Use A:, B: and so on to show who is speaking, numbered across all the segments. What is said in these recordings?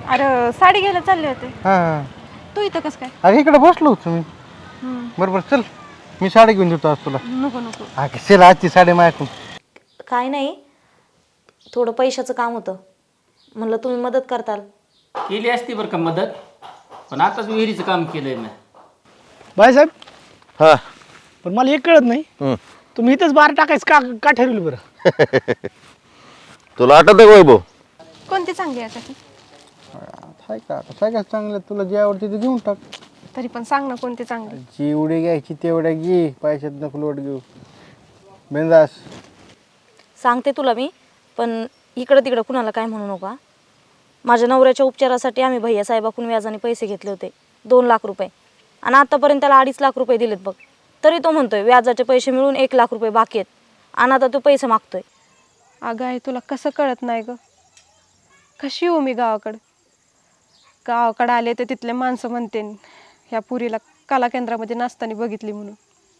A: अरे साडी घ्यायला चालले होते.
B: हां
A: तू इथं कसं काय?
B: अरे इकडे बसलो होतो मी. बरोबर चल मी साडी घेऊन देतो आज तुला.
A: नको नको.
B: हा चल आजची साडी माझ्याकडून.
C: काय नाही, थोडं पैशाचं काम होतं, म्हणलं तुम्ही मदत करताल.
D: केली असती बरं का मदत, पण आताच विहिरीचं काम केलंय मी.
E: बायसाहेब,
F: हा
E: पण मला एक कळत नाही, तुम्ही इथंच बार टाकायचं का ठरवलं बरं?
F: तुला आठवत आहे वैभव?
A: कोणती चांगली आहे याच्यातली?
B: हाय का आता सगळ्यात चांगलं तुला जे आवडते ते घेऊन टाक.
A: तरी पण सांग ना कोणती चांगली.
B: जेवढी घ्यायची तेवढ्या घे, पैशात नको लोट घेऊ. बिंदास.
C: सांगते तुला मी, पण इकडं तिकडं कुणाला काय म्हणू नका. माझ्या नवऱ्याच्या उपचारासाठी आम्ही भैयासाहेबाकडून व्याजाने पैसे घेतले होते 2 लाख रुपये, आणि आतापर्यंत त्याला 2.5 लाख रुपये दिलेत बघ. तरी तो म्हणतोय व्याजाचे पैसे मिळून 1 लाख रुपये बाकी आहेत, आणि आता तो पैसे मागतोय.
A: अगं आहे तुला कसं कळत नाही ग? कशी येऊ मी गावाकडं आले तर तिथले माणसं म्हणते ह्या पुरीला कला केंद्रामध्ये नाचताना बघितली म्हणून.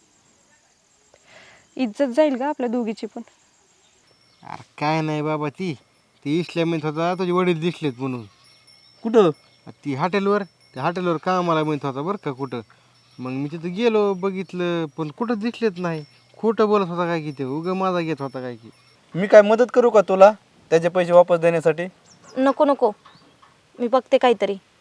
A: इज्जत जाईल का आपल्या दोघीची पण?
B: अरे काय नाही बाबा, ती इसल्या म्हणत होता तुझे वडील दिसलेत म्हणून.
E: कुठं?
B: ती हॉटेलवर कामाला म्हणत होता बरं का कुठं. मग मी तिथं गेलो बघितलं, पण कुठं दिसलेत नाही. खोटं बोलत होता काय की, ते उगा माझा घेत होता काय की.
G: मी काय मदत करू का तुला त्याचे पैसे वापस देण्यासाठी?
C: नको नको, मी बघते काहीतरी.